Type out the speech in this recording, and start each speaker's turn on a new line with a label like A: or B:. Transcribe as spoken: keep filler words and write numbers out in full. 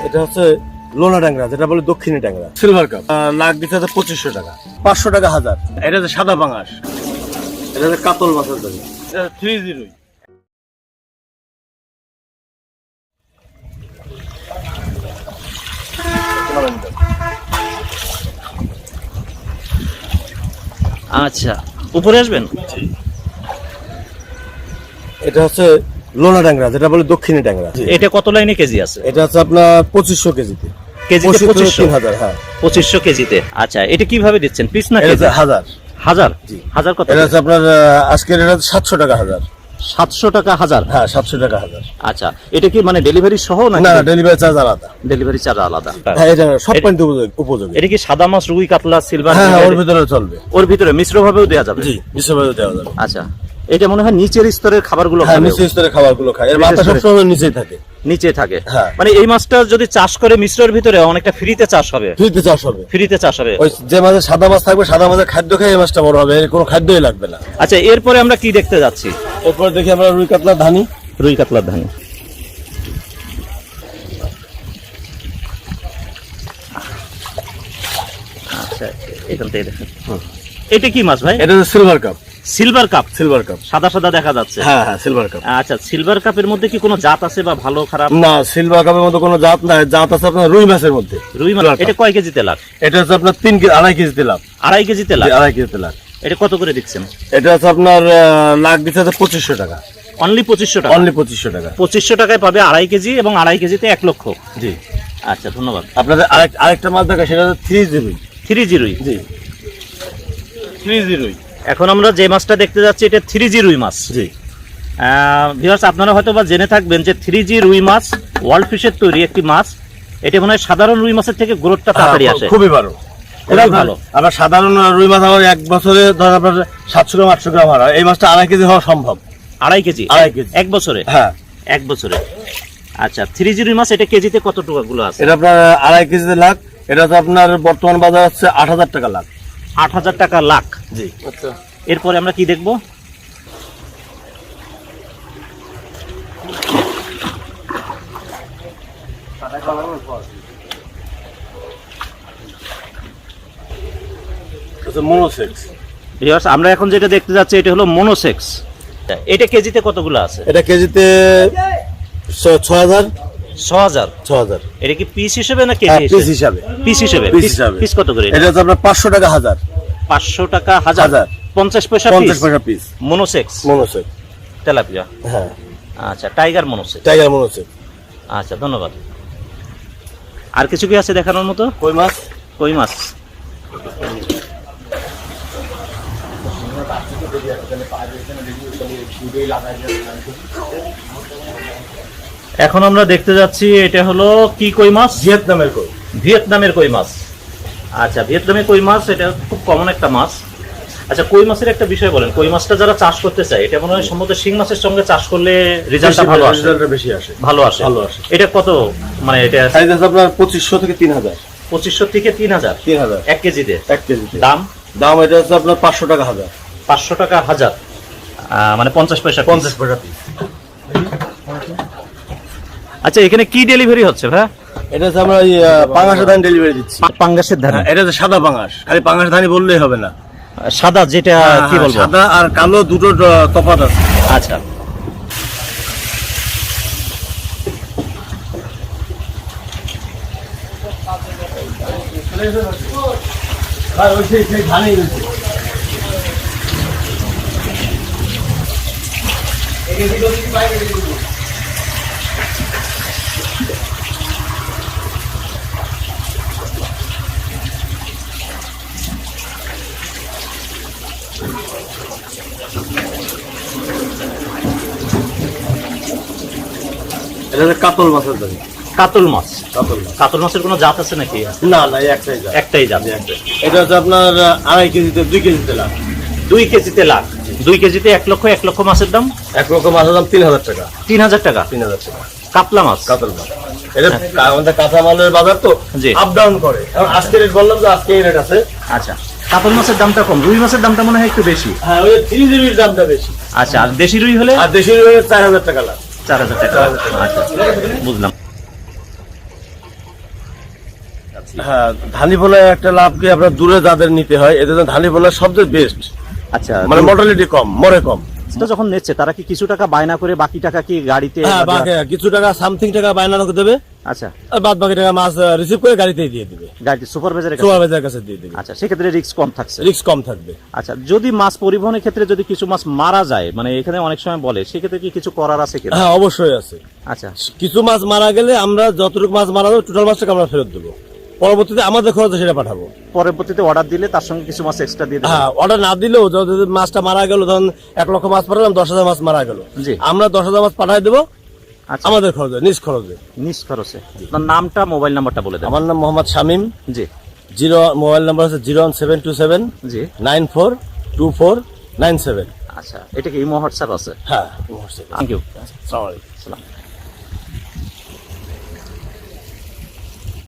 A: এটা হচ্ছে লোনা ট্যাংরা, যেটা বলে দক্ষিণী ট্যাংরা, সিলভার কাপ। লাখ দিতে হচ্ছে পঁচিশশো টাকা, পাঁচশো টাকা হাজার। এটা হচ্ছে সাদা পাঙাশ, এটা হচ্ছে কাতল মাছের দাম, এটা থ্রি জিরো।
B: আচ্ছা, উপরে আসবেন।
A: এটা হচ্ছে লোনা ট্যাংরা, যেটা বলে দক্ষিণী ট্যাংরা।
B: এটা কত লাইনে কেজি আছে?
A: এটা হচ্ছে আপনার পঁচিশশো কেজিতে।
B: কেজিতে পঁচিশশো
A: হাজার, হ্যাঁ
B: পঁচিশশো কেজিতে। আচ্ছা, এটা কিভাবে দিচ্ছেন, পিস না কেজি?
A: হাজার
B: হাজার হাজার কত?
A: এটা হচ্ছে আপনার আজকের এটা সাতশো টাকা হাজার।
B: সাতশো টাকা হাজার?
A: হ্যাঁ, সাতশো টাকা হাজার।
B: আচ্ছা, এটা কি মানে ডেলিভারি সহ না?
A: না, ডেলিভারি চার্জ আলাদা।
B: ডেলিভারি চার্জ আলাদা।
A: হ্যাঁ, এটা সব পয়েন্ট উপযোগী।
B: এটা কি সাদা মাছ, রুই, কাতলা, সিলভার?
A: হ্যাঁ, ওর ভিতরে চলবে।
B: ওর ভিতরে মিশ্র ভাবেও দেওয়া যাবে?
A: জি, মিশ্র ভাবেও দেওয়া যাবে।
B: আচ্ছা, এটা মনে হয় নিচের স্তরের খাবারগুলো?
A: হ্যাঁ, নিচের স্তরের খাবারগুলো খায়। এর মাথা সবসময় নিচেই থাকে।
B: নিচে থাকে।
A: হ্যাঁ।
B: মানে এই মাছটা যদি চাষ করে মিশ্রের ভিতরে অনেকটা ফ্রিতে চাষ হবে।
A: ফ্রিতে চাষ হবে।
B: ফ্রিতে চাষ হবে।
A: ওই যে মাঝে সাদা মাছ থাকবে, সাদা মাছের খাদ্য খেয়ে এই মাছটা বড় হবে, এর কোনো খাদ্যই লাগবে না।
B: আচ্ছা, এরপরে আমরা কি দেখতে যাচ্ছি?
A: এরপর দেখি আমরা রুই কাতলা ধানি।
B: রুই কাতলার ধানি। আচ্ছা, এখান থেকে দেখেন। এটা কি মাছ ভাই?
A: এটা হচ্ছে silver carp.
B: Silver carp?
A: Silver carp,
B: সাদা সাদা দেখা যাচ্ছে।
A: হ্যাঁ হ্যাঁ, সিলভার কাপ।
B: আচ্ছা, সিলভার কাপের মধ্যে কি কোনো জাত আছে বা ভালো খারাপ?
A: না, সিলভার কাপের মধ্যে কোনো জাত নাই। জাত আছে আপনার রুই মাছের মধ্যে।
B: রুই মাছ। এটা কয় কেজিতে লাখ?
A: এটা হচ্ছে আপনার তিন কেজি, আড়াই কেজিতে লাভ।
B: আড়াই কেজিতে লাখ?
A: আড়াই কেজিতে লাভ।
B: এটা কত করে দিচ্ছেন?
A: এটা হচ্ছে আপনার লাখ দিতে হচ্ছে পঁচিশশো টাকা।
B: অনলি পঁচিশশো টাকা?
A: অনলি পঁচিশশো টাকা।
B: পঁচিশশো টাকায় পাবে আড়াই কেজি, এবং আড়াই কেজিতে এক লক্ষ।
A: জি।
B: আচ্ছা, ধন্যবাদ।
A: আপনাদের আরেক আরেকটা মাছ দেখা, সেটা হচ্ছে থ্রি জিরোই।
B: থ্রি জিরোই?
A: জি, থ্রি জিরোই।
B: এখন আমরা যে মাছটা দেখতে যাচ্ছি এটা থ্রি জি রুই মাছ।
A: জি।
B: ভিউয়ার্স, আপনারা হয়তো বা জেনে থাকবেন যে থ্রি জি রুই মাছ ওয়ার্ল্ড ফিশের তৈরি একটি মাছ। এটা মনে হয় সাধারণ রুই মাছের থেকে গ্রোথটা তাড়াতাড়ি আসে।
A: খুবই ভালো,
B: খুবই ভালো।
A: আবার সাধারণ রুই মাছ আমার এক বছরে ধর আপনার সাতশো গ্রাম আটশো গ্রাম হয়, এই মাছটা আড়াই কেজি হওয়া সম্ভব।
B: আড়াই কেজি?
A: আড়াই কেজি
B: এক বছরে?
A: হ্যাঁ,
B: এক বছরে। আচ্ছা, থ্রি জি রুই মাছ এটা কেজিতে কত টাকাগুলো আছে?
A: এটা আপনার আড়াই কেজিতে লাখ। এটা তো আপনার বর্তমান বাজার হচ্ছে আট হাজার টাকা লাখ।
B: আট হাজার টাকা লাখ?
A: জি। আচ্ছা,
B: এরপরে আমরা কি দেখবো?
A: মোনোসেক্স।
B: ভিউয়ার্স, আমরা এখন যেটা দেখতে যাচ্ছি এটা হলো মোনোসেক্স। এটা কেজিতে কতগুলো আছে?
A: এটা কেজিতে ছ হাজার।
B: ছ হাজার?
A: ছ হাজার।
B: এটা কি পিস হিসেবে না কেজি
A: পিস হিসাবে?
B: পিস হিসেবে।
A: পিস হিসাবে।
B: পিস কত করে?
A: এটা হচ্ছে আপনার পাঁচশো টাকা হাজার।
B: পাঁচশো টাকা হাজার? পঞ্চাশ পয়সা?
A: পঞ্চাশ পয়সা পিস।
B: মোনোসেক্স?
A: Monosex
B: tilapia?
A: হ্যাঁ।
B: আচ্ছা, টাইগার মোনোসেক্স।
A: Tiger monosex.
B: আচ্ছা, ধন্যবাদ। আর কিছু কি আছে দেখানোর মতো?
A: কই মাছ।
B: কই মাছ। এখন আমরা দেখতে যাচ্ছি এটা হলো কি কই মাছ?
A: ভিয়েতনামের কই।
B: ভিয়েতনামের কই মাছ। আচ্ছা, ভিয়েতনামের কই মাছ, এটা খুব কমন একটা মাছ। আচ্ছা, কই মাছের একটা বিষয় বলেন, কই মাছটা যারা চাষ করতে চায় এটা মনে হয় সম্ভবত শিং মাছের সঙ্গে চাষ করলে রেজাল্টটা ভালো আসে।
A: রেজাল্টটা বেশি আসে।
B: ভালো আসে।
A: ভালো আসে।
B: এটা কত মানে এটা
A: সাইজ আছে আপনার পঁচিশশো থেকে তিন হাজার।
B: পঁচিশশো থেকে তিন হাজার?
A: তিন হাজার
B: এক কেজিতে?
A: এক কেজিতে।
B: দাম?
A: দাম এটা হচ্ছে আপনার পাঁচশো টাকা হাজার।
B: পাঁচশো টাকা হাজার, মানে পঞ্চাশ পয়সা?
A: পঞ্চাশ পয়সা পিস।
B: আচ্ছা, এখানে কি ডেলিভারি হচ্ছে ভাই?
A: এটা হচ্ছে আমরা পাঙাশের ধান ডেলিভারি দিচ্ছি।
B: পাঙ্গাসের ধান?
A: এটা হচ্ছে সাদা পাঙাশ, খালি পাঙাশ ধানই বললেই হবে না।
B: সাদা যেটা কি বলবো?
A: সাদা আর কালো দুটো তফাৎ আছে।
B: আচ্ছা,
A: এটা হচ্ছে কাতল মাছের দাম।
B: কাতল মাছ?
A: কাতল মাছ।
B: কাতল মাছের কোনো জাত আছে নাকি?
A: না না, একটাই জাত।
B: একটাই জাত?
A: এটা হচ্ছে আপনার আড়াই কেজিতে দুই কেজিতে লাখ।
B: দুই কেজিতে লাখ? দুই কেজিতে এক লক্ষ? এক লক্ষ মাছের দাম?
A: এক লক্ষ মাছের দাম তিন হাজার টাকা।
B: তিন হাজার টাকা?
A: তিন হাজার টাকা।
B: কাতলা মাছ?
A: কাতল মাছ। এটা আমাদের কাঁচামালের বাজার তো আপ ডাউন করে। আজকে রেট বললাম যে আজকে রেট আছে।
B: আচ্ছা, কাতল মাছের দামটা কম, রুই মাছের দামটা মনে হয় একটু বেশি।
A: হ্যাঁ, ওই থ্রি জিবির দামটা বেশি।
B: আচ্ছা, আর দেশি রুই হলে?
A: আর দেশি রুই চার হাজার টাকা লাখ।
B: চার হাজার টাকা। আচ্ছা, বুঝলাম। আচ্ছা
A: হ্যাঁ, ধানি পোনায় একটা লাভ কি আপনার দূরে যাদের নিতে হয় এদের জন্য ধানি পোনা সবচেয়ে বেস্ট,
C: আচ্ছা
A: মানে মর্টালিটি কম, মরে কম।
C: তো যখন নিচ্ছে তারা কি কিছু টাকা বায়না করে বাকি টাকা কি গাড়িতে
A: হ্যাঁ, বাকি কিছু টাকা সামথিং টাকা বায়না করে দেবে,
C: আচ্ছা
A: আর বাদ বাকি টাকা মাছ রিসিভ করে গাড়িতেই দিয়ে দিবে,
C: গাড়িতে সুপারভাইজারের কাছে
A: সুপারভাইজারের কাছে দিয়ে দিবে।
C: আচ্ছা সেক্ষেত্রে রিস্ক কম থাকছে।
A: রিস্ক কম থাকবে।
C: আচ্ছা যদি মাছ পরিবহনের ক্ষেত্রে যদি কিছু মাছ মারা যায়, মানে এখানে অনেক সময় বলে, সেক্ষেত্রে কি কিছু করার আছে কিনা?
A: হ্যাঁ, অবশ্যই আছে।
C: আচ্ছা
A: কিছু মাছ মারা গেলে আমরা যতটুকু মাছ মারা যাবে টোটাল মাছটাকে আমরা ফেরত দেবো, পরবর্তীতে আমাদের খরচে সেটা পাঠাবো।
C: পরবর্তীতে অর্ডার দিলে তার সঙ্গে কিছু মাছ এক্সট্রা দিয়ে দেবে।
A: হ্যাঁ, অর্ডার না দিলেও যদি মাছটা মারা গেল, ধরুন এক লক্ষ মাছ পাঠালাম, দশ হাজার মাছ মারা গেল,
C: জি।
A: আমরা দশ হাজার মাছ পাঠাই দেবো
C: আচ্ছা
A: আমাদের খরচে, নিজ খরচে।
C: নিজ খরচে। আপনার নামটা মোবাইল নাম্বারটা বলে দেন।
A: আমার নাম মোহাম্মদ শামীম।
C: জি
A: জিরো মোবাইল নাম্বার হচ্ছে zero one seven two seven
C: জি
A: nine four two four nine seven.
C: আচ্ছা এটা কি ইমো হোয়াটসঅ্যাপ আছে?
A: হ্যাঁ,
C: থ্যাংক ইউ।
A: আসসালামু আলাইকুম।
C: আসসালাম।